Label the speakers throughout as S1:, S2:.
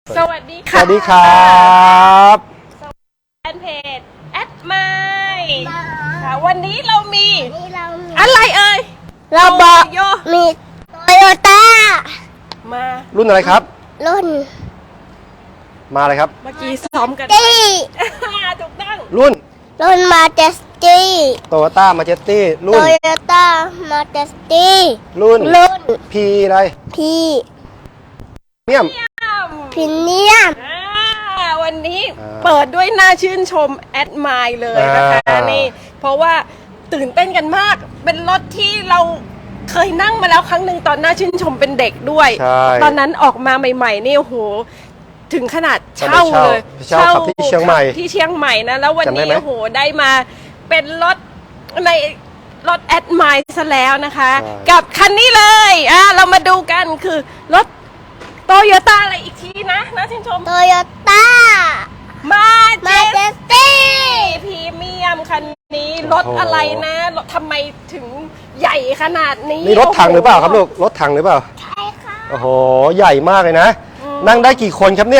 S1: สวัสดีค่ะ
S2: สวัสดีครับ
S1: แฟนเพจแอดไมล์ค่ะวันนี้เรามีอะไรเอ่ย
S2: เราบอก
S1: โย
S3: มีโตโยต้า
S1: มา
S2: รุ่นอะไรครับ
S3: รุ่น
S2: มาเลยครับ
S1: เมื่อกี้ซ้อมกัน
S3: ตี้
S1: ถูกต้อง
S2: รุ่น
S3: รุ่นมาเจสตี้
S2: โตโยต้ามาเจสตี้
S3: โต
S2: รุ่น
S3: โยต้ามาเจสตี้
S2: รุ่น
S3: รุ่น
S2: พีอะไร
S3: พี
S2: เมียม
S3: พิเนียม
S1: วันนี้
S2: อ่า
S1: เปิดด้วยน่าชื่นชมแอดไมล์เลยนะคะ
S2: อ่านี่
S1: นี่เพราะว่าตื่นเต้นกันมาก เป็นรถที่เราเคยนั่งมาแล้วครั้งหนึ่งตอนน่าชื่นชมเป็นเด็กด้วย
S2: ใช่
S1: ตอนนั้นออกมาใหม่ๆนี่โอ้โหถึงขนาดเช่าเลย
S2: เช่าขับที่เชียงใหม่
S1: ขับที่เชียงใหม่นะแล้ววัน
S2: จำได้
S1: นี้
S2: ไหม
S1: โอ้โหได้มาเป็นรถในรถแอดไมล์ซะแล้วนะคะ
S2: ใช่
S1: กับคันนี้เลยเรามาดูกันคือรถโตโยต้าอะไรอีกทีนะชื่นชม
S3: โตโยต้า
S1: มา
S3: มาเจสตี้
S1: พรีเมียมคันนี้รถอะไรนะรถทำไมถึงใหญ่ขนาดนี้
S2: นี่รถถังหรือเปล่าครับลูก รถถังหรือเปล่า
S3: ใช่ค่ะ
S2: โอ้โห ใหญ่มากเลยนะ นั่งได้กี่คนครับเนี่ย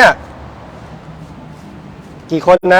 S2: กี่คนนะ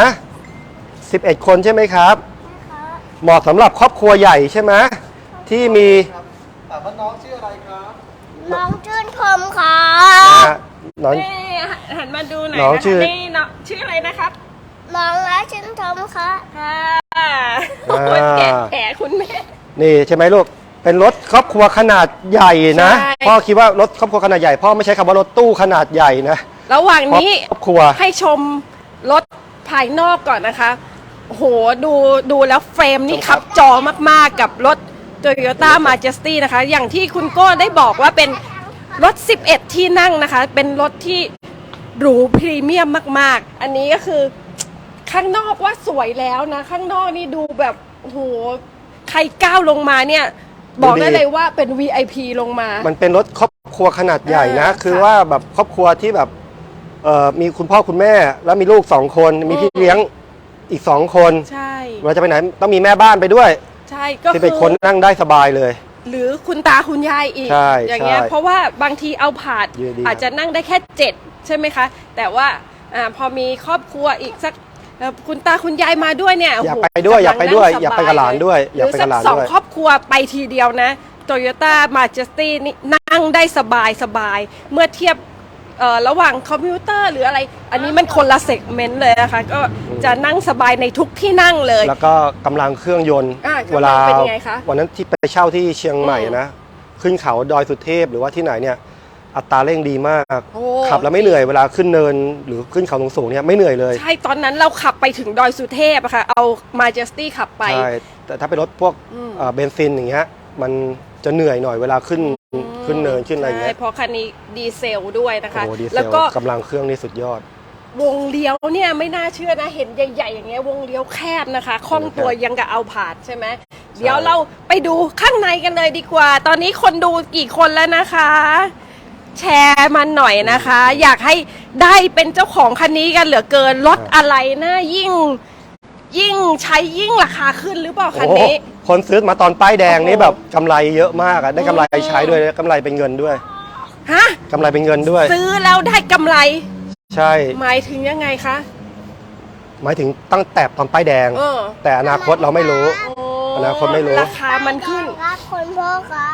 S2: 11 คนใช่ไหมครับ เหมาะสำหรับครอบครัวใหญ่ใช่ไหมที่มี
S3: น้องชื่นชมค่ะ
S2: นะฮะน้อง
S1: นี่หันมาดูหน่อย
S2: น้อง
S1: นะคะ
S2: ชื่อ
S1: นี่น้องชื่ออะไรนะครับ
S3: น้องและชื่นชมค่ะ
S1: ค่ะคนแก่แก่คุณแม่
S2: นี่ใช่ไหมลูก เป็นรถครอบครัวขนาดใหญ่นะ
S1: ใช่
S2: พ่อคิดว่ารถครอบครัวขนาดใหญ่พ่อไม่ใช้คำว่ารถตู้ขนาดใหญ่นะ
S1: ระหว่างนี้
S2: ครอบครัว
S1: ให้ชมรถภายนอกก่อนนะคะโอ้โหดูแล้วเฟรมนี่ขับจอมากๆกับรถ Toyota Majesty นะคะ อย่างที่คุณโก้ได้บอกว่าเป็นรถ 11 ที่นั่งนะคะ เป็นรถที่หรูพรีเมียมมากๆ อันนี้ก็คือข้างนอกว่าสวยแล้วนะ ข้างนอกนี่ดูแบบโอ้โหใครก้าวลงมาเนี่ย บอกได้เลยว่าเป็น VIP ลงมา
S2: มันเป็นรถครอบครัวขนาดใหญ่นะ
S1: ค่ะ
S2: คือว่าแบบครอบครัวที่แบบมีคุณพ่อคุณแม่ แล้วมีลูก2 คน มีพี่เลี้ยงอีก2 คน
S1: ใช่
S2: เวลาจะไปไหนต้องมีแม่บ้านไปด้วย
S1: ใช่ก็
S2: ที่
S1: คื
S2: เป็นคนนั่งได้สบายเลย
S1: หรือคุณตาคุณยายอีก
S2: ใช่
S1: อย่างเงี้ย
S2: ใช่
S1: เพราะว่าบางทีเอาผาด
S2: ดีๆ
S1: อาจจะนั่งได้แค่7ใช่ไหมคะ แต่ว่าพอมีครอบครัวอีกสักคุณตาคุณยายมาด้วยเนี่ย
S2: อยาก
S1: โโห
S2: ไปด้วย
S1: กำลัง
S2: อยากไปด้วย
S1: นั่ง
S2: อยากไปกับหลานด้วย
S1: ห
S2: อยาก
S1: รือ
S2: ไป
S1: สั
S2: กับหลาน
S1: สอง
S2: ด้วย
S1: ครอบครัวไปทีเดียวนะโตโยต้ามาเจสตี้นี่นั่งได้สบายเมื่อเทียบระหว่างคอมพิวเตอร์หรืออะไร อันนี้มันคนละเซกเมนต์เลยนะคะ ก็จะนั่งสบายในทุกที่นั่งเลย
S2: แล้วก็กำลังเครื่องยนต์
S1: กำลัง
S2: เวลา
S1: เป็นยังไงคะ
S2: วันนั้นที่ไปเช่าที่เชียงใหม่นะ ขึ้นเขาดอยสุเทพหรือว่าที่ไหนเนี่ยอัตราเร่งดีมาก
S1: โอ้
S2: ขับแล้วไม่เหนื่อยเวลาขึ้นเนินหรือขึ้นเขาสูงๆเนี่ยไม่เหนื่อยเลย
S1: ใช่ ตอนนั้นเราขับไปถึงดอยสุเทพอะค่ะ เอามาเจสตี้ขับไป
S2: ใช่แต่ถ้าเป็นรถพวกเบนซินอย่างเงี้ยมันจะเหนื่อยหน่อยเวลาขึ้นเนินขึ้นอะไรอย่างเงี้
S1: ใช่
S2: ย
S1: เพราะคันนี้ดีเซลด้วยนะคะ
S2: โอ้โหดีเซ
S1: แล้ว
S2: ล
S1: ก็
S2: กำลังเครื่องนี่สุดยอด
S1: วงเลี้ยวเนี่ยไม่น่าเชื่อนะ เห็นใหญ่ๆอย่างเงี้ยวงเลี้ยวแคบนะคะคล่องตัวยังกับเอาผาดใช่ไหมเดี๋ยวเราไปดูข้างในกันเลยดีกว่า ตอนนี้คนดูกี่คนแล้วนะคะ แชร์มันหน่อยนะคะ อยากให้ได้เป็นเจ้าของคันนี้กันเหลือเกินรถอะไรนะยิ่งใช้ยิ่งราคาขึ้นหรือเปล่าคัน
S2: โอ้โห
S1: นี้
S2: คนซื้อมาตอนป้ายแดงนี่
S1: โอ้โห
S2: แบบกำไรเยอะมากอะได้กำไรใช้ด้วยกำไรเป็นเงินด้วย
S1: ฮะ
S2: กำไรเป็นเงินด้วย
S1: ซื้อแล้วได้กำไร
S2: ใช่
S1: หมายถึงยังไงคะ
S2: หมายถึงตั้งแต่ตอนป้ายแดง
S1: เออ
S2: แต่อนาคตเราไม่รู้ อนาคตไม่รู้
S1: ราคามันขึ้น
S3: ครับคุณพ่อครับ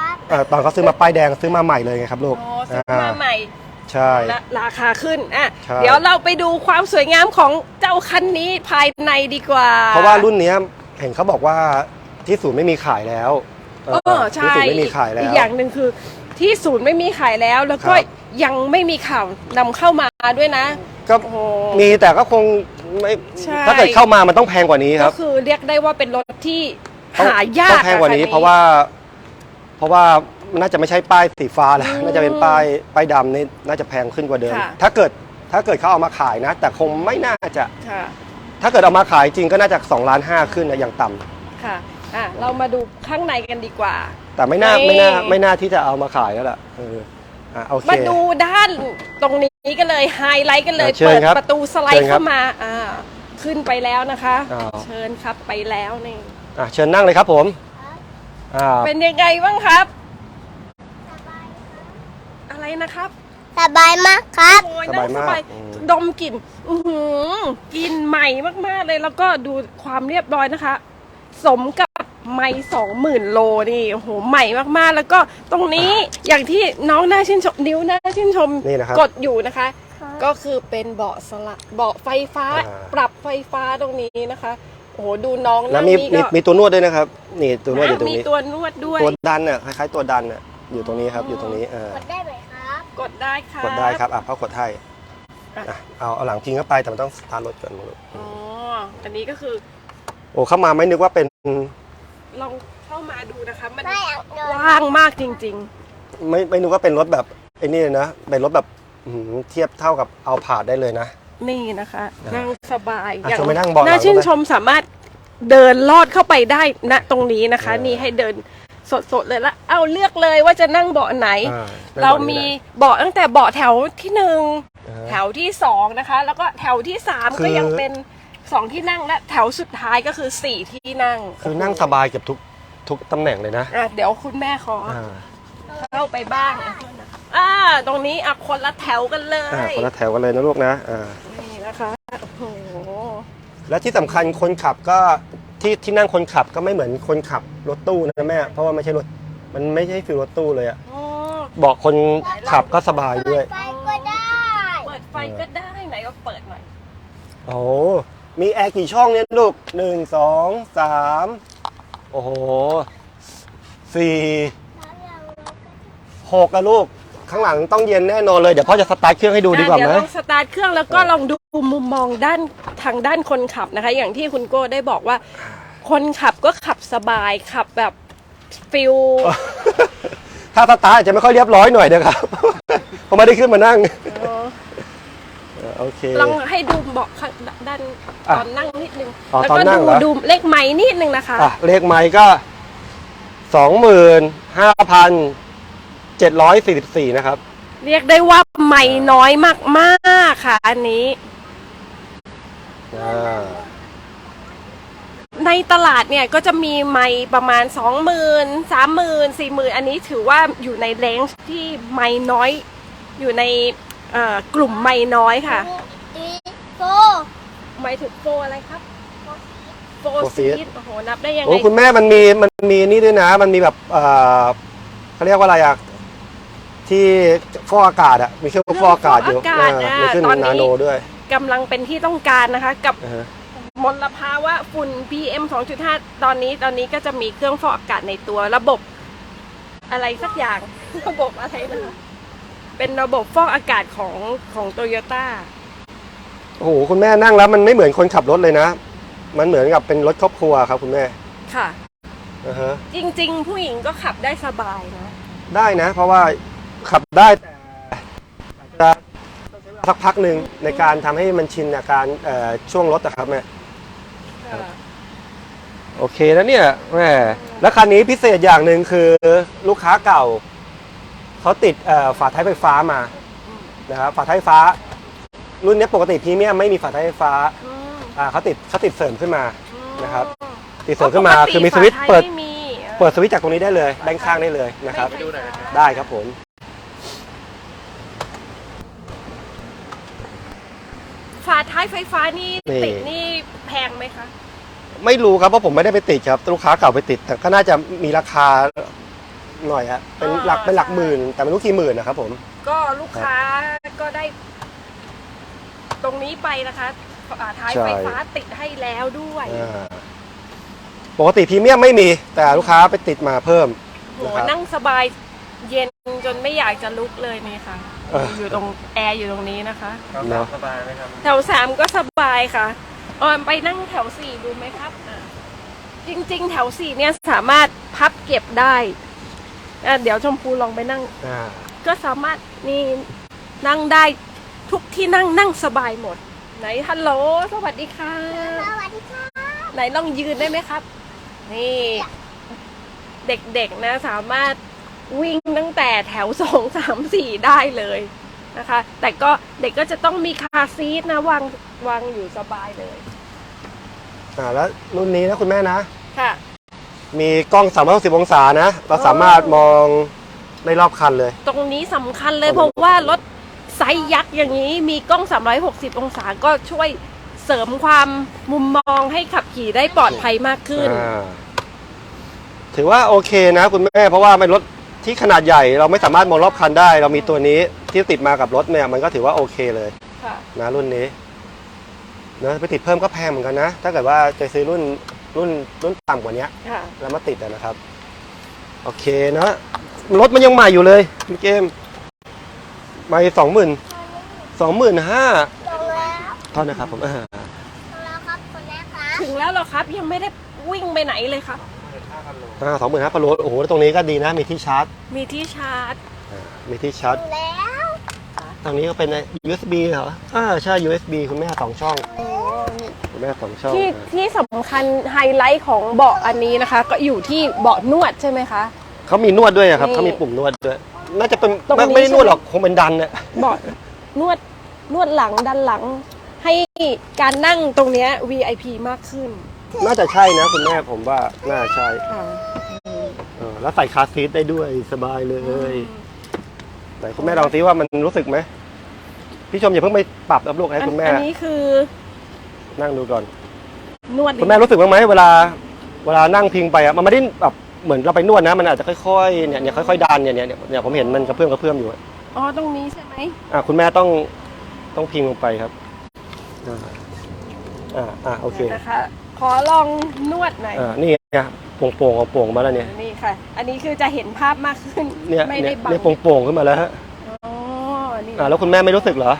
S2: ตอนเขาซื้อมาป้ายแดงซื้อมาใหม่เลยไงครับลูก
S1: อ๋อซื้อมาใหม่
S2: ใช่
S1: ราคาขึ้น
S2: ใช่
S1: เดี๋ยวเราไปดูความสวยงามของเจ้าคันนี้ภายในดีกว่า
S2: เพราะว่ารุ่นเนี้ยเห็นเขาบอกว่าที่ศูนย์ไม่มีขายแล้ว
S1: ใช่
S2: ที่ศูนย์ไม่มีขายแล้ว
S1: อีกอย่างหนึ่งคือที่ศูนย์ไม่มีขายแล้ว แล้วก็
S2: ครับ
S1: ยังไม่มีข่าวนำเข้ามาด้วยนะ
S2: ก็
S1: โอ้โห
S2: มีแต่ก็คงไม่
S1: ใช่
S2: ถ้าเกิดเข้ามามันต้องแพงกว่านี้ค
S1: ก็
S2: รับ
S1: คือเรียกได้ว่าเป็นรถที่
S2: ต้อง
S1: หายาก
S2: ต้องแพงกว่านี้
S1: อะคั
S2: เพราะว่าน่าจะไม่ใช่ป้ายสีฟ้าแล้วน่าจะเป็นป้ายดำนี่น่าจะแพงขึ้นกว่าเดิม
S1: ค่ะ
S2: ถ้าเกิดเขาเอามาขายนะ แต่คงไม่น่าจะ
S1: ค่ะ
S2: ถ้าเกิดเอามาขายจริงก็น่าจะ2.5 ล้านขึ้นนะอย่างต่ำ
S1: ค่ะเรามาดูข้างในกันดีกว่า
S2: แต่ไม่น่า
S1: นี่
S2: ไม่น่าที่จะเอามาขายแล้วล่ะโอเค
S1: มาดูด้านตรงนี้กันเลยไฮไลท์กันเลย
S2: เชิญ
S1: เปิด
S2: ครับ
S1: ประตูสไล
S2: เชิ
S1: ด์
S2: ญครับ
S1: เข้ามาขึ้นไปแล้วนะคะ
S2: อ้าว
S1: เชิญครับไปแล้วนี่
S2: เชิญนั่งเลยครับผม
S1: เป็นยังไงบ้างครับ อะไรนะครับ
S3: สบายมากครับ
S1: โอ้ยนั่งสบายดมกลิ่นกลิ่นใหม่มากๆเลยแล้วก็ดูความเรียบร้อยนะคะ สมกับไม้20,000 โลนี่โอ้โหใหม่มากๆแล้วก็ตรงนี้อย่างที่น้องน่าชื่นชมนิ้วน่าชื่นชม
S2: นี่นะครับ
S1: กดอยู่นะคะ ก็คือเป็นเบาะเบาะไฟฟ้า ปรับไฟฟ้าตรงนี้นะคะโอ้โหดูน้อง
S2: แล้
S1: นั่
S2: ว
S1: ง
S2: มี
S1: นี่ก็
S2: มีตัวนวดด้วยนะครับ นี่ตัวนวดอยู่ตรง
S1: มี
S2: นี้
S1: ตัวนวดด้วย
S2: ตัวดันอ่ะคล้ายๆตัวดันอ่ะอยู่ตรงนี้ครับอยู่ตรงนี้
S3: กดได้ไหมครับ
S1: กดได้ค่ะ
S2: กดได้ครับเขากดให้เอาหลังพิงเข้าไปแต่มันต้องสตาร์ทรถก่อน
S1: อ๋ออันนี้ก็คือ
S2: โอ้เข้ามาไม่นึกว่าเป็น
S1: ลองเข้ามาดูนะคะมัน
S3: ไม่เอาเดิน
S1: กว้างมากจริง
S2: ไม่นึกว่าเป็นรถแบบไอ้นี่เลยนะเป็นรถแบบเทียบเท่ากับเอาผาดได้เลยนะ
S1: ๆ นี่นะคะ นั่งสบาย
S2: ชมไปนั่งเบาะหลัง
S1: น่าชื่น
S2: ได้ไหม
S1: ชมสามารถเดินลอดเข้าไปได้ณตรงนี้นะคะ นี่ให้เดินสดๆเลยละเอาเลือกเลยว่าจะนั่งเบาะไหน เรามีเบาะตั้งแต่เบาะแถวที่ 1 แถวที่ 2นะคะแล้วก็แถวที่ 3 ก็ยังเป็น2 ที่นั่งและแถวสุดท้ายก็คือ4 ที่นั่ง
S2: คือนั่งสบายเกือบทุกตำแหน่งเลยนะ
S1: เดี๋ยวคุณแม่ขอเข้าไปบ้างตรงนี้คนละแถวกันเลย
S2: คนละแถวกันเลยนะลูกนะ
S1: นี่นะคะโอ้โห
S2: และที่สำคัญคนขับก็ที่นั่งคนขับก็ไม่เหมือนคนขับรถตู้นะแม่เพราะว่าไม่ใช่รถมันไม่ใช่ฟิลรถตู้เลยอะเบาะคนขับก็สบายด้วย
S3: ไฟก็ได้
S1: เปิดไฟก็ได้ไหนก็เปิดหน่อย
S2: โอ้มีแอร์กี่ช่องเนี่ยลูก1 2 3โอ้โห4 6อะลูกข้างหลังต้องเย็นแน่นอนเลยเดี๋ยวพ่อจะสตาร์ทเครื่องให้ดูดีกว่าไหม
S1: เดี๋ยวลองสตาร์ทเครื่องแล้วก็ลองดูมุมมองทางด้านคนขับนะคะ อย่างที่คุณโก้ได้บอกว่า คนขับก็ขับสบายขับแบบฟิล
S2: ถ้าสตาร์ทอาจจะไม่ค่อยเรียบร้อยหน่อยนะครับ เพราะไม่ได้ขึ้นมานั่งโอเค
S1: ลองให้ดูเบาะข้างด้านตอนนั่งนิดนึง แล้ว
S2: ตอน
S1: ก็
S2: นั่งเหรอ
S1: ดูเลขไม้นิดนึงนะคะ
S2: เลขไมค์ก็ 25,744 นะครับ
S1: เรียกได้ว่าไม่น้อยมากๆค่ะ อันนี้ ในตลาดเนี่ยก็จะมีไม้ประมาณ 20,000 30,000 40,000 อันนี้ถือว่าอยู่ในเรนจ์ที่ไม้น้อย อยู่ในกลุ่มไม้น้อยค่ะ
S3: ตีโฟ
S1: ไม้ถึงโฟอะไรครับโฟ
S2: ซี
S1: ซี
S2: ด
S1: ดโอ้โหนับได้ยัง
S2: โอ้
S1: ไง
S2: คุณแม่มันมีนี่ด้วยนะ มันมีแบบเขาเรียกว่าอะไรอะที่ฟอกอากาศอะมีเครื่องฟอกอากาศอยู่มีขึ้นนาโนด้วย
S1: กำลังเป็นที่ต้องการนะคะ กับมลภาวะฝุ่น PM 2.5 ตอนนี้ก็จะมีเครื่องฟอกอากาศในตัวระบบอะไรสักอย่าง ระบบอะไรนะเป็นระบบฟอกอากาศของโตโยต้า
S2: โอ้โหคุณแม่นั่งแล้วมันไม่เหมือนคนขับรถเลยนะ มันเหมือนกับเป็นรถครอบครัวครับคุณแม่
S1: ค่ะ
S2: ฮะ
S1: จริงๆ ผู้หญิงก็ขับได้สบายนะ
S2: ได้นะ เพราะว่าขับได้แต่สักพักหนึ่งในการทำให้มันชินกับการช่วงรถนะครับแม่โอเคแล้วเนี่ยแม่แล้วคันนี้พิเศษอย่างหนึ่งคือลูกค้าเก่าเขาติดฝาท้ายไฟฟ้ามานะครับฝาท้ายไฟฟ้า รุ่นนี้ปกติพรีเมียมไม่มีฝาท้ายไฟฟ้าเขาติดเสริมขึ้นมานะครับติดเสริมขึ้นมาคือมีสวิตช์เปิดสวิตช์จากตรงนี้ได้เลยด้านข้างได้เลยนะครับได้ครับผม
S1: ฝาท้ายไฟฟ้านี่ติดนี่แพงไหมคะ
S2: ไม่รู้ครับเพราะผมไม่ได้ไปติดครับลูกค้าเก่าไปติดแต่ก็น่าจะมีราคาหน่อยฮะเป็นหลักหมื่นแต่ไม่รู้กี่หมื่นนะครับผม
S1: ก็ลูกค้าก็ได้ตรงนี้ไปนะคะท้ายไฟฟ้าติดให้แล้วด้วย
S2: ปกติพรีเมียมไม่มีแต่ลูกค้าไปติดมาเพิ่ม
S1: โหนั่งสบายเย็นจนไม่อยากจะลุกเลยนี่ค่ะอยู่ตรงแอร์อยู่ตรงนี้นะคะ
S2: สบายไหมครับ
S1: แถว3ก็สบายค่ะไปนั่งแถว4ดูไหมครับจริงๆแถว4เนี่ยสามารถพับเก็บได้เดี๋ยวชมพูลองไปนั่งก็สามารถนี่นั่งได้ทุกที่นั่งสบายหมดไหนฮัลโหลสวัสดีค่ะ
S3: สวัสดีค่ะ
S1: ไหนลองยืนได้ไหมครับนี่เด็กๆนะสามารถวิ่งตั้งแต่แถว2 3 4ได้เลยนะคะแต่ก็เด็กก็จะต้องมีคาร์ซีทนะวางอยู่สบายเลย
S2: แล้วรุ่นนี้นะคุณแม่นะ
S1: ค่ะ
S2: มีกล้อง360 องศานะเราสามารถมองได้รอบคันเลย
S1: ตรงนี้สำคัญเลยเพราะว่ารถไซส์ยักษ์อย่างนี้มีกล้อง 360 องศาก็ช่วยเสริมความมุมมองให้ขับขี่ได้ปลอดภัยมากขึ้น
S2: ถือว่าโอเคนะคุณแม่เพราะว่ามันรถที่ขนาดใหญ่เราไม่สามารถมองรอบคันได้ เรามีตัวนี้ที่ติดมากับรถเนี่ยมันก็ถือว่าโอเคเลย
S1: ค่ะ
S2: นะรุ่นนี้นะไปติดเพิ่มก็แพงเหมือนกันนะ ถ้าเกิดว่าจะซื้อรุ่นต่ำกว่านี้
S1: ค่ะ
S2: แล้วมาติดนะครับ โอเคนะรถมันยังใหม่อยู่เลยคุณเกมใหม่25,000
S3: ลงแล้ว
S2: เท่านะครับผม
S3: ลงแล้วครับคนแรกครับ
S1: ถึงแล้วเหรอครับยังไม่ได้วิ่งไปไหนเลยครับ
S2: 25,000โลโอ้โหตรงนี้ก็ดีนะมีที่ชาร์จ
S1: มีที่ชาร์จ
S2: มีที่ชาร์จ
S3: ถึงแล้ว
S2: ตรงนี้ก็เป็น USB เหรอใช่ USB คุณแม่2 ช่องคุณแม่2 ช่อง
S1: ที่สำคัญไฮไลท์ของเบาะอันนี้นะคะ ก็อยู่ที่เบาะนวดใช่ไหมคะ
S2: เขามีนวดด้วยอะครับ
S1: นี่
S2: เขามีปุ่มนวดด้วยน่าจะเป็น
S1: ตรงนี้
S2: ไม่ได้นวด
S1: ใช่ไหม
S2: หรอกคงเป็นดันเนี่ย
S1: เบาะนวดหลังดันหลัง ให้การนั่งตรงเนี้ย VIP มากขึ้น
S2: น่าจะใช่นะคุณแม่ผมว่าน่าใช่
S1: ค่ะ
S2: แล้วใส่คาร์ซีทได้ด้วยสบายเลยไหนคุณแม่ลองซิว่ามันรู้สึกไหมพี่ชมอย่าเพิ่งไปปรับอัพลูกให้คุณแม่
S1: อันนี้คือ
S2: นั่งดูก่อน
S1: นวด
S2: คุณแม่รู้สึกบ้างไหมเวลานั่งพิงไปอะมันไม่ได้แบบเหมือนเราไปนวดนะมันอาจจะค่อยๆเนี่ยค่อยๆดันเนี่ยผมเห็นมันกระเพื่อมอยู่
S1: อ๋อตรงนี้ใช่ไหม
S2: คุณแม่ต้องพิงลงไปครับโอเค
S1: นะคะขอลองนวดหน่อย
S2: นี่ไงโป่งมาแล้วเนี่ย
S1: นี่ค่ะ อันนี้คือจะเห็นภาพมากขึ้น
S2: เนี่ย
S1: ไม่ได้บัง
S2: เนี่ยโป่งขึ้นมาแล้วฮะ
S1: อ๋อนี่
S2: แล้วคุณแม่ไม่รู้สึกเหรอ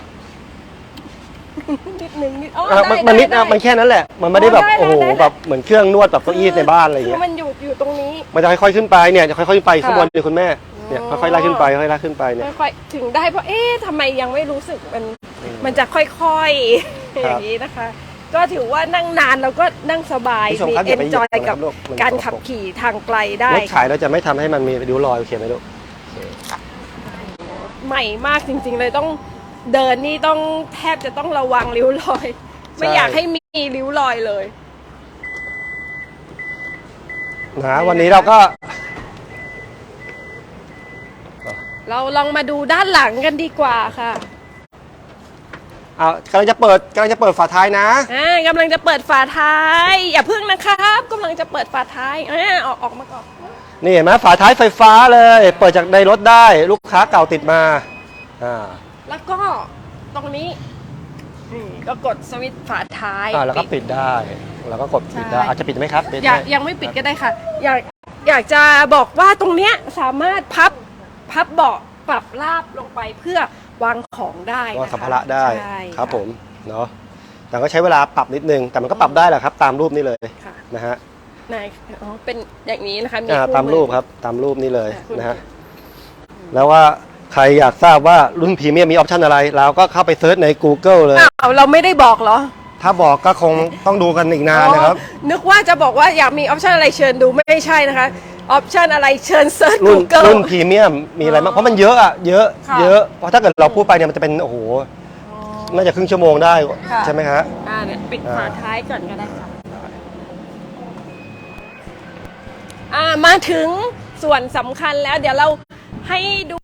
S1: นิดนึงนิดอ๋อ
S2: มันนิด
S1: ได้
S2: มันแค่นั้นแหละมันไม่ได้แบบ
S1: ได้
S2: โอ้โห
S1: ได้
S2: แบบเหมือนเครื่องนวดแบบเก้าอี้ในบ้านอะไรอย่าง
S1: คื
S2: เงี้
S1: อย มันอยู่ตรงนี้
S2: มันจะค่อยๆขึ้นไปเนี่ยจะค่อยๆขึ้นไปข้างบน
S1: ค่ะ
S2: เดี๋ยวคุณแม่เนี่ย
S1: อ๋อ
S2: ค่อยๆไล่ขึ้นไปค่อยๆไล่ขึ้นไปเนี่ย
S1: ค่อยๆถึงได้เพราะทำไมยังไม่รู้สึกมันจะค่อยๆอย่างนี้นะคะ ก็ถือว่านั่งนานแล้วก็นั่งสบาย
S2: ผู้ชม
S1: มี
S2: ครับอย่าไป
S1: เอนจอย
S2: เหยียบ
S1: กับ
S2: นะครับลูกมัน
S1: การ
S2: สกปรก
S1: ขับขี่ทางไกลได้
S2: รถขายเราจะไม่ทำให้มันมีริ้วรอยโอเคไหมลูก
S1: ใหม่มากจริงๆเลยต้องเดินนี่ต้องแทบจะต้องระวังริ้วรอย ไม่อยากให้มีริ้วรอยเลย
S2: นะวันนี้เราก็
S1: เราลองมาดูด้านหลังกันดีกว่าค่ะ
S2: กำลังจะเปิดฝาท้ายนะ
S1: กำลังจะเปิดฝาท้ายอย่าพึ่งนะครับกำลังจะเปิดฝาท้ายออกมาก่อน
S2: นี่เห็นไหมฝาท้ายไฟฟ้าเลย เปิดจากในรถได้ลูกค้าเก่าติดมา
S1: แล้วก็ตรงนี้ก็กดสวิตช์ฝาท้าย
S2: แล้วก็ปิดได้แล้วก็กดปิดได้
S1: ใช่
S2: อาจจะปิดไหมครับปิด
S1: อยาก
S2: ได้
S1: ยังไม่ปิดก็ได้ค่ะ อยากจะบอกว่าตรงเนี้ยสามารถพับเบาะปรับราบลงไปเพื่อวางของได้
S2: วาง
S1: นะคะ
S2: สัมภาระได้
S1: ใช่
S2: ครับผมเนาะแต่ก็ใช้เวลาปรับนิดนึงแต่มันก็ปรับได้แหละครับ ตามรูปนี้เลย
S1: ค่ะ
S2: นะฮะ
S1: ไหนเป็นอย่างนี้นะคะ
S2: ตามรูป
S1: มือ
S2: ครับตามรูปนี้เลย
S1: คู่มือ
S2: นะฮะแล้วว่าใครอยากทราบว่ารุ่นพรีเมียมมีออปชันอะไรเราก็เข้าไปเซิร์ชใน Google เลย
S1: เราไม่ได้บอกเหรอ
S2: ถ้าบอกก็คงต้องดูกันอีกนานนะครับ
S1: นึกว่าจะบอกว่าอยากมีออปชันอะไรเชิญดูไม่ใช่นะคะออปชันอะไรเชิญเซิร์ช Google
S2: รุ่นพรีเมียมมีอะไรบ้างเพราะมันเยอะอะเยอะ
S1: ค่ะ
S2: เยอะเพราะถ้าเกิดเราพูดไปเนี่ยมันจะเป็นโอ้โหน่าจะครึ่งชั่วโมงได้
S1: ค่ะ
S2: ใช่ไหมฮะ
S1: เนี่ยปิดฝาท้ายก่อนก็ได้ค่ะมาถึงส่วนสำคัญแล้วเดี๋ยวเราให้ดู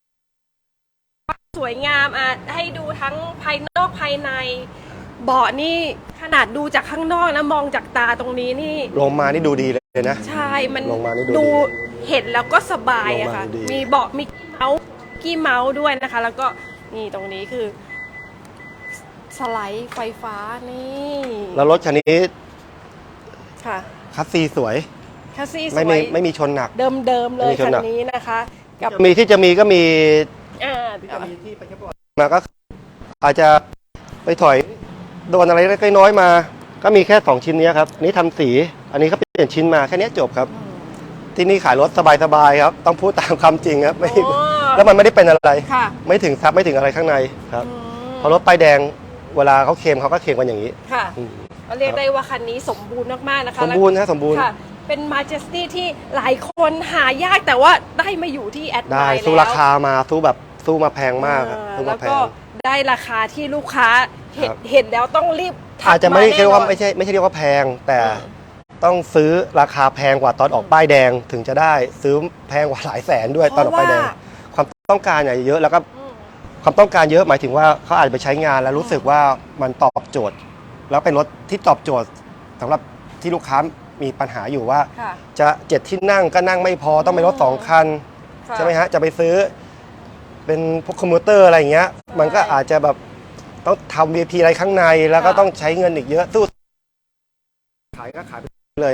S1: สวยงามให้ดูทั้งภายนอกภายในเบาะนี่ขนาดดูจากข้างนอกนะมองจากตาตรงนี้นี่
S2: ลงมานี่ดูดีเลยนะ
S1: ใช่มัน
S2: ลงมานี่ดู
S1: ดู
S2: ดี
S1: เห็นแล้วก็สบายอะค่ะ
S2: ลงมาดูดี
S1: มีเบาะมีกี้เมาส์ด้วยนะคะ แล้วก็นี่ตรงนี้คือ สไลด์ไฟฟ้านี่
S2: แล้วรถคันนี้
S1: ค่ะ
S2: คัสซีสวย
S1: แคสซี่ส
S2: ไม่
S1: ว
S2: มี
S1: ย
S2: ไม่มีชนหนัก
S1: เดิมๆเลย
S2: ไม่มีช
S1: คั
S2: น
S1: น
S2: หนัก
S1: นี้นะคะ กับ
S2: มีที่จะมีก็มี
S1: ที่ไป
S2: มาก็อาจจะไปถอยโดนอะไรเล็กๆน้อยๆมา ก็มีแค่2ชิ้นนี้ครับอันนี้ทำสีอันนี้เขาเปลี่ยนชิ้นมาแค่นี้จบครับ ที่นี่ขายรถสบายๆครับ ต้องพูดตามความจริงครับไม่แล้วมันไม่ได้เป็นอะไร
S1: ค่ะ
S2: ไม่ถึงซับไม่ถึงอะไรข้างในครับพอรถป้ายแดงเวลาเขาเคลมเขาก็เคลมกันอย่างนี้
S1: ค่ะ
S2: อืม
S1: ก็เรียกได้ว่าคันนี้สมบูรณ์มากๆนะคะ
S2: สมบูรณ์นะสมบูรณ์
S1: ค่ะ เป็นมาเจสตี้ที่หลายคนหายากแต่ว่าได้มาอยู่ที่แอดไล
S2: ได้
S1: น์
S2: สู้
S1: แล้ว
S2: ราคามาสู้มาแพงมากครับสู้
S1: แล้
S2: มาว แพ
S1: ก็
S2: ง
S1: ได้ราคาที่ลูกค้าเห็น
S2: ครับ
S1: เห็นแล้วต้องรีบทัก
S2: อาจจะไม่ได้
S1: แน่
S2: เรียก
S1: น
S2: ว่า
S1: อน
S2: ไม่ใช่เรียกว่าแพง แต่ต้องซื้อราคาแพงกว่าตอนออกป้ายแดงถึงจะได้ซื้อแพงกว่าหลายแสนด้วยตอนออกป้ายแดง ความต้องการเนี่ยเยอะแล้วก็ความต้องการเยอะหมายถึงว่าเขาอาจจะไปใช้งานแล้วรู้สึกว่ามันตอบโจทย์ แล้วเป็นรถที่ตอบโจทย์สำหรับที่ลูกค้ามีปัญหาอยู่ว่า
S1: ค่ะ
S2: จะ7 ที่นั่งก็นั่งไม่พอต้องเป็นรถ2 คัน
S1: ค่ะ
S2: ใช่ไหมฮะจะไปซื้อเป็นพวกคอมพิวเตอร์อะไรอย่างเงี้ยมันก็อาจจะแบบต้องทำ VIP อะไรข้างในแล้วก็ต้องใช้เงินอีกเยอะสู้ขายก็ขายไปเลย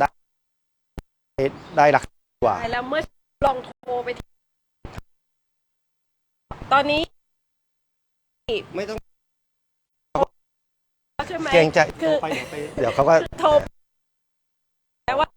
S2: ได้ราคากว่า
S1: แล้วเมื่อลองโทรไปที่ตอนนี้
S2: ไม่ต้อง
S1: ใช่ไหม
S2: เกรงใจ
S1: คือ
S2: ไปเดี๋ยวเขาก็
S1: โทรแต่ว่า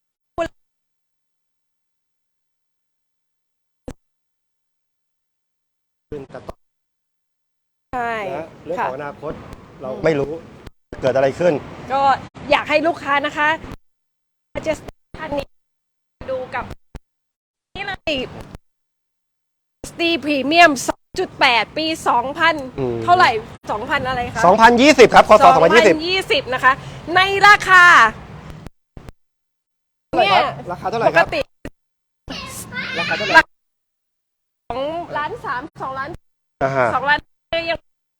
S2: ขึ้นแต่ต่อ
S1: ใช่
S2: นะเรื่อง
S1: ค่ะ
S2: ของอนาคตเราไม่รู้เกิดอะไรขึ้น
S1: ก็อยากให้ลูกค้านะคะจะท่านนี้ดูกับนี่เลยสตีพรีเมียม 2.8 ปี 2000 เท่าไหร่ 2,000 อะไรคะ
S2: 2020 ครับคศ2020
S1: 2020 นะคะ ในราคา เนี่ย
S2: ราคาเท่าไหร่
S1: ป
S2: ค
S1: ก
S2: รับ
S1: ติ
S2: ราคาเท่าไหร่
S1: 2 ล้าน 3 2 ล้าน
S2: อ่าฮะ
S1: 2 ล้านยัง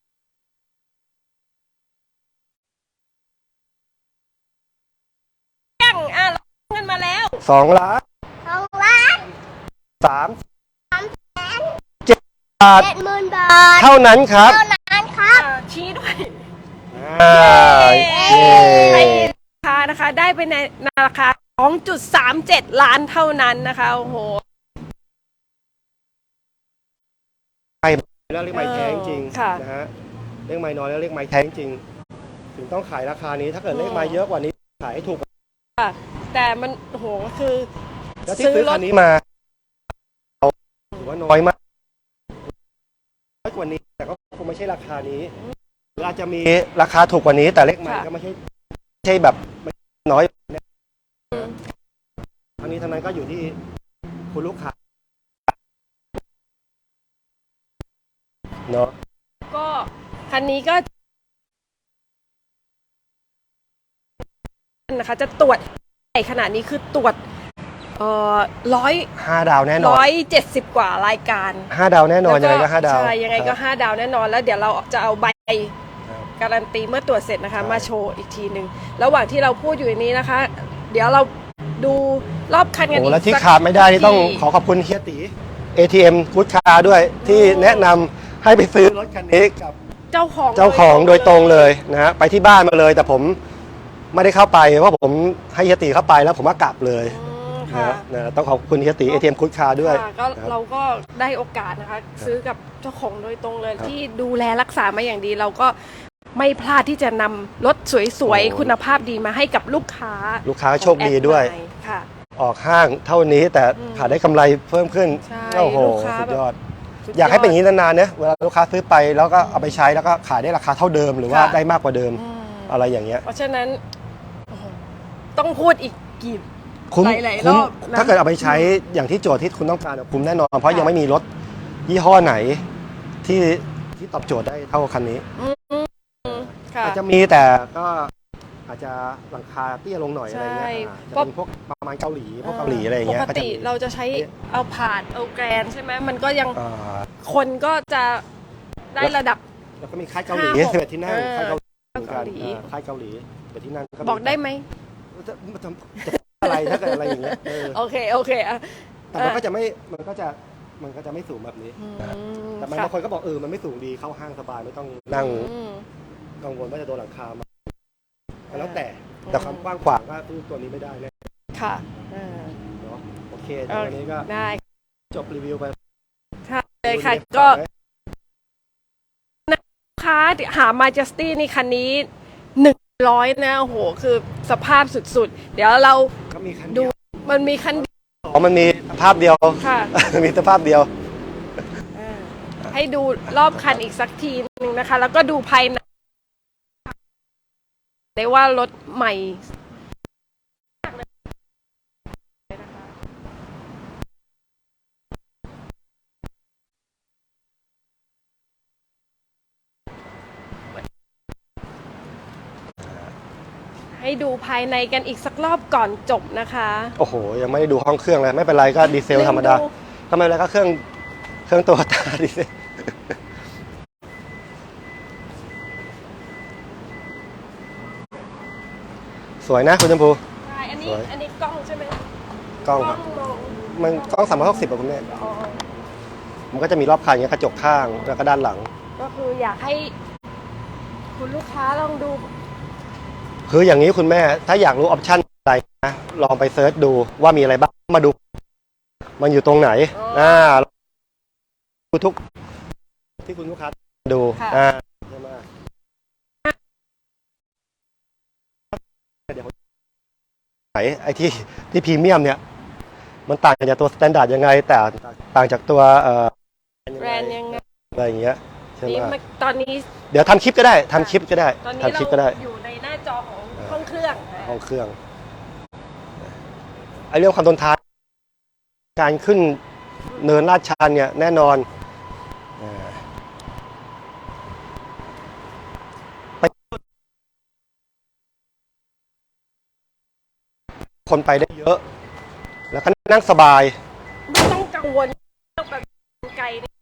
S1: เราเงินมาแล้ว
S2: 2 ล้าน 3 7 บาท
S4: 70,000 บาท
S2: เท่านั้นครับ
S4: เท่านั้นครับ
S1: ชี้ด้วย
S2: อ่า
S1: ให้
S2: เย้
S1: ราคานะคะได้ไปในราคา 2.37 ล้านเท่านั้นนะคะโอ้โห
S2: แล้วเรียกไม้แท้จริง
S1: ค่ะ
S2: นะฮะเรียกไม้น้อยแล้วเรียกไม้แท้จริงถึงต้องขายราคานี้ถ้าเกิดเรียกไม้เยอะกว่านี้ขายให้ถูก
S1: ค่ะแต่มันโอ้โหคือ
S2: แล้วที่ซื้อคันนี้มาถือว่าน้อยมากน้อยกว่านี้แต่ก็คงไม่ใช่ราคานี้หรืออาจจะมีราคาถูกกว่านี้ แต่เลขไม้ก็ไม่ใช่แบบน้อยเนี่ยทั้งนี้ทั้งนั้นก็อยู่ที่คุณลูกค้าเนาะ
S1: ก็คันนี้ก็นะคะจะตรวจใหญ่ขนาดนี้คือตรวจ
S2: 5 ดาวแน่นอน
S1: 170 กว่ารายการ
S2: 5 ดาวแน่นอนยังไงก็5 ดาว
S1: ใช่ยังไงก็ 5 ดาวแน่นอนแล้วเดี๋ยวเราจะเอาใบ
S2: ครับ
S1: การันตีเมื่อตรวจเสร็จนะคะ
S2: ใช่
S1: มาโชว์อีกทีหนึ่งระหว่างที่เราพูดอยู่ในนี้นะคะ เดี๋ยวเราดูรอบคันกัน
S2: โอ้
S1: อีก
S2: แล้วที่
S1: สัก
S2: ขาดไม่ได้นี่ต้อง
S1: ที
S2: ขอขอบคุณเฮียตี ATM กู๊ดคาร์ด้วยที่แนะนำให้ไปซื้อรถคันนี้กับ
S1: เจ้าของ
S2: โดยตรงเลยนะฮะไปที่บ้านมาเลย แต่ผมไม่ได้เข้าไปเพราะผมให้เฮียตีเข้าไปแล้วผมก็กลับเลย
S1: อืม
S2: นะ
S1: ค่ะ
S2: นะต้องขอบคุณเฮียตี ATM กู๊ดคาร์ด้วย
S1: ค่ะก็
S2: นะครับ
S1: เราก็ได้โอกาสนะคะ ซื้อกับเจ้าของโดยตรงเลย
S2: ครับ
S1: ที่ดูแลรักษามาอย่างดี เราก็ไม่พลาดที่จะนำรถสวย
S2: โอ้
S1: ๆ คุณภาพดีมาให้กับลูกค้า
S2: ลูกค้าโชคดีด้วย
S1: ของแอไลน์ค่ะ
S2: ออกห้างเท่านี้แต่ขาดได้กำไรเพิ่มขึ้น
S1: ใช่
S2: โอ้โห
S1: ลูกค้า
S2: สุดยอด
S1: สุด
S2: อยากให้เป็นอย่างนี้นานๆเนี่ยเวลาลูกค้าซื้อไปแล้วก็เอาไปใช้แล้วก็ขายได้ราคาเท่าเดิมหรือว่า
S1: ค่ะ
S2: ได้มากกว่าเดิม
S1: อืม
S2: อะไรอย่างเงี้ย
S1: เพราะฉะนั้นโอ้โหต้องพูดอีกกี่
S2: คุ้ม
S1: หลายๆ
S2: คุ้ม
S1: รอบนะ
S2: ถ้าเกิดเอาไปใช้อย่างที่โจทย์ที่คุณต้องการคุ้มแน่นอน เพราะ
S1: ค่ะ
S2: ยังไม่มีรถยี่ห้อไหนที่ตอบโจทย์ได้เท่าคันนี้
S1: ค่ะ
S2: อาจจะมีแต่ก็อาจจะราคาเตี้ยลงหน่อยอะไรเงี้ย
S1: ใช่
S2: จะเป็นพวกประมาณเกาหลีพวกเกาหลีอะไรอย่างเงี้ย
S1: ปกติ
S2: ก็จะมี
S1: เราจะใช้เอาผ่านเอาแกรนใช่ไหมมันก็ยัง
S2: อ่า
S1: คนก็จะได้ระดับ
S2: แล้วก็มีค่ายเกาหลี
S1: 5-6
S2: 11ที่นั่งค่ายเกาหลีเหมือนกัน
S1: เกาหลี
S2: ค่ายเกาหลี11ที่นั่งมี
S1: บอกได้ไหม
S2: จะอะไรถ้าเกิดอะไรอย่างเงี้ย
S1: โอเคอ่ะ
S2: แต่มันก็จะไม่สูงแบบนี้ แต่บางคนก็บอกมันไม่สูงดีเข้าห้างสบายไม่ต้องนั่ง กังวลว่าจะโดนหลังคามาแล้วแต่ความกว้างขวางก็ตู้ตัวนี้ไม่ได้เลย
S1: ค่ะ
S2: เนาะโอเคเดี๋ยววันนี้ก็
S1: ได้
S2: จบรีวิวไป
S1: ค่ะเลยค่ะก็ลูกค้าหา Majesty นี่คันนี้100นะโอ้โหคือสภาพสุดๆ เดี๋ยวเรา
S2: ก็มีคัน
S1: ดู
S2: เดียว
S1: มันมีคันเดียว
S2: อ๋อมันมีสภาพเดียว
S1: ค่ะ
S2: มีสภาพเดียว
S1: ให้ดูรอบคันอีกสักทีนึงนะคะ แล้วก็ดูภายในได้ว่ารถใหม่ให้ดูภายในกันอีกสักรอบก่อนจบนะคะ
S2: โอ้โหยังไม่ได้ดูห้องเครื่องเลยไม่เป็นไรก็ดีเซลธรรมดา
S1: ลืมดู
S2: ก็ไม่เป็นไรก็เครื่องตัวตาดีเซลสวยนะคุณชมพู
S1: ใช่อันนี้
S2: สวย
S1: อันนี้กล้องใช่ไหม
S2: กล้องครับ
S1: มอง
S2: มันกล้อง360อะคุณแม่
S1: อ๋อ
S2: มันก็จะมีรอบคันอย่างเงี้ยกระจกข้างแล้วก็ด้านหลัง
S1: ก็คืออยากให้คุณลูกค้าลองดู
S2: คืออย่างนี้คุณแม่ถ้าอยากรู้ออปชั่นอะไรนะลองไปเซิร์ชดูว่ามีอะไรบ้างมาดู มันอยู่ตรงไหน
S1: อ๋อ
S2: ดูทุกที่คุณลูกค้าดู
S1: ค่ะ
S2: ใช่ไหมเดี๋ยวไหนไอ้ที่พรีเมียมเนี่ย มันต่างจากตัวสแตนดาร์ดยังไง แต่ต่างจากตัว
S1: แบรนด์ยังไง
S2: อะไรอย่างเงี้ยใช่ไหม
S1: นี่ตอนนี้
S2: เดี๋ยวทำคลิปก็ได้ทำคลิปก็ได้
S1: ตอนนี้
S2: ทำคลิปก็ได้
S1: เราอยู่ในหน้าจอของห้องเครื่อง
S2: ห้องเครื่องไอ้เรื่องความทนทานการขึ้นเนินลาดชันเนี่ยแน่นอนไปคนไปได้เยอะ แล้วก็นั่งสบาย
S1: ไม่ต้องกังวลเรื่องแบบไกลนี่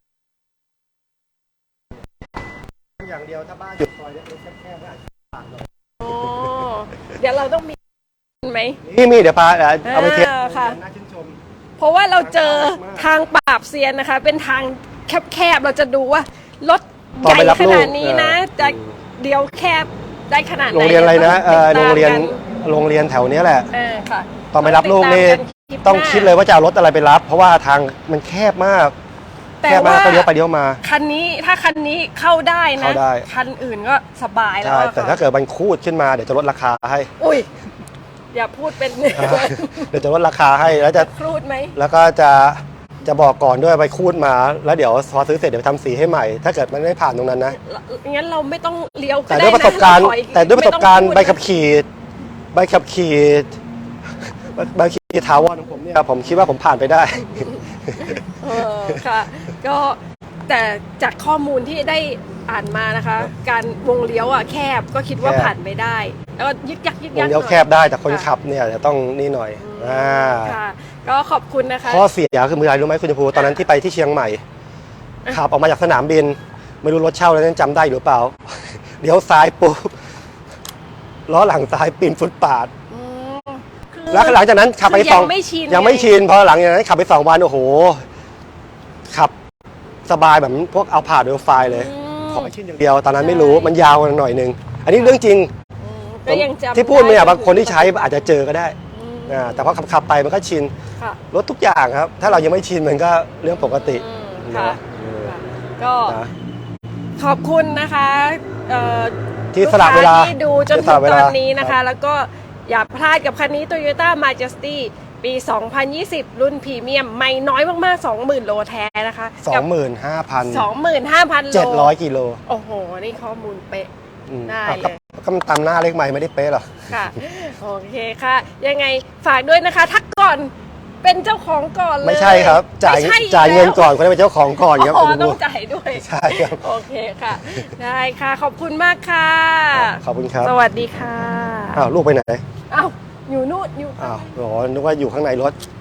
S2: อย่างเดียวถ้าบ้านอยู่ซอยเล็กๆแคบๆก็อาจจะต่างหน่อย
S1: อ๋อเดี๋ยวเราต้องมีไหม
S2: นี่มีเดี๋ยวปาเอาไปเทส
S1: ค่ะ
S2: น่าชื่นชม
S1: เพราะว่าเราเจอทางปราบเซียนนะคะ เป็นทางแคบๆเราจะดูว่ารถ
S2: ตอน
S1: ให
S2: ไป
S1: ญ่
S2: รับ
S1: ข
S2: ลูก
S1: นาดนี้นะจะเดียวแคบได้ขนาดไหน
S2: โรงเรียนอะไรนะ
S1: ติดตาม
S2: โรงเรียน
S1: กัน
S2: โรงเรียนแถวเนี้ยแหละ
S1: ค่ะ
S2: ตอนไปรับลูกนี่
S1: ติดตามกันลิป
S2: ต้อง
S1: หน้า
S2: คิดเลยว่าจะเอารถอะไรไปรับ เพราะว่าทางมันแคบมาก
S1: แต่
S2: แคบมาก
S1: ว่า
S2: ก็เลี้ยวไปเลี้ยวมา
S1: คันนี้ถ้าคันนี้เข้าได้นะ
S2: เข้าได้
S1: คันอื่นก็สบายแล้ว
S2: ใช่
S1: อะ
S2: แต่
S1: ค่ะ
S2: ถ้าเกิดมันคูดขึ้นมาเดี๋ยวจะลดราคาให้
S1: อุ้ยอย่าพูดเป็น
S2: เดี๋ยวจะลดราคาให้แล้วจะ
S1: ครูดไหม
S2: แล้วก็จะบอกก่อนด้วยไปคูดมา แล้วเดี๋ยวพอซื้อเสร็จเดี๋ยวทำสีให้ใหม่ ถ้าเกิดมันไม่ผ่านตรงนั้นนะ
S1: งั้นเราไม่ต้องเลี้ยว
S2: แต่ด้วยประสบการณ์
S1: ได้นะ
S2: แต่ด้วยประสบการณ์
S1: ไม่
S2: ใบ
S1: ต้องพูด
S2: ขับขี่ใบขับขี่ใบขับขี่ถาวรของผมเนี่ยผมคิดว่าผมผ่านไปได้
S1: ค่ะ ก็แต่จากข้อมูลที่ได้อ่านมานะคะ การวงเลี้ยวอ่ะแคบก็คิดว่า
S2: แคบ
S1: ผ่านไม่ได้ แล้วก็ยึกยัก
S2: วงเลี้ยวแคบได้แต่คนขับเนี่ยจะต้องนี่หน่อย
S1: ค่ะ ก็ขอบคุณนะคะ
S2: ข้อเสียคือมืออะไรรู้ไหมคุณชมพูตอนนั้นที่ไปที่เชียงใหม่ขับออกมาจากสนามบิน ไม่รู้รถเช่าแล้วนั้นจำได้หรือเปล่า เลี้ยวซ้ายปุ๊บล้อหลังซ้ายปีนฟุตปาด
S1: คือ
S2: แล้วหลังจากนั้นขับไป
S1: คือ
S2: ส
S1: ยั
S2: อง
S1: งไม่ชิน
S2: ยังไม่ชินพอหลังจากนั้นขับไป2 วันโอ้โหขับสบายแบบพวกเอาผ่านเวลไฟเลย ขอให้ชินอย่างเดียวตอนนั้นไม่รู้มันยาวหน่อยนึงอันนี้เรื่องจริง
S1: ก็ยังจำ
S2: ที่พูดเนี่ย
S1: ไ
S2: บางคนที่ใช้อาจจะเจอก็ได้แต่พอขับไปมันก็ชิน
S1: ค่ะ
S2: รถทุกอย่างครับ ถ้าเรายังไม่ชินมันก็เรื่องปกติ
S1: ค่ะ
S2: นะ
S1: ก็
S2: นะ
S1: ขอบคุณนะคะ
S2: ที่สละเวลา
S1: ลูกค้ที่ดูจน
S2: ที่
S1: ถึ
S2: สละ
S1: ง
S2: เว
S1: ต
S2: ลา
S1: อนนี้นะ
S2: ครั
S1: คะ
S2: บ
S1: แล้วก็อย่าพลาดกับคันนี้ Toyota Majesty ปี 2020 รุ่นพรีเมียมไม่น้อยมากๆ 20,000 โลแท้นะคะกับ
S2: 25,700
S1: 25,000 โล
S2: กิโล
S1: โอ้โห นี่ข้อมูลเป๊ะ ได้เลย
S2: ก็มันตามหน้าเลขไม่ไม่ได้เป๊ะหรอก
S1: ค่ะ โอเคค่ะ ยังไงฝากด้วยนะคะ ทักก่อนเป็นเจ้าของก่อนเลย
S2: ไม่ใช่ครับจ่าย
S1: ไม่ใช่
S2: จ่ายเงิน
S1: แล้ว
S2: ก่อนคนได้เป็นเจ้าของก่อนครับ
S1: อ๋อ
S2: คุณ
S1: ต้
S2: ผู้
S1: องจ่ายด้วย
S2: ใช่ครับ
S1: โอเคค่ะ ได้ค่ะ ขอบคุณมากค่ะ
S2: ขอบคุณครับ
S1: สวัสดีค่ะ
S2: อ้าวลูกไปไหน
S1: อ้าวอยู่นู่นอยู่
S2: อ้าวหรอนึกว่าอยู่ข้างในรถ
S1: อ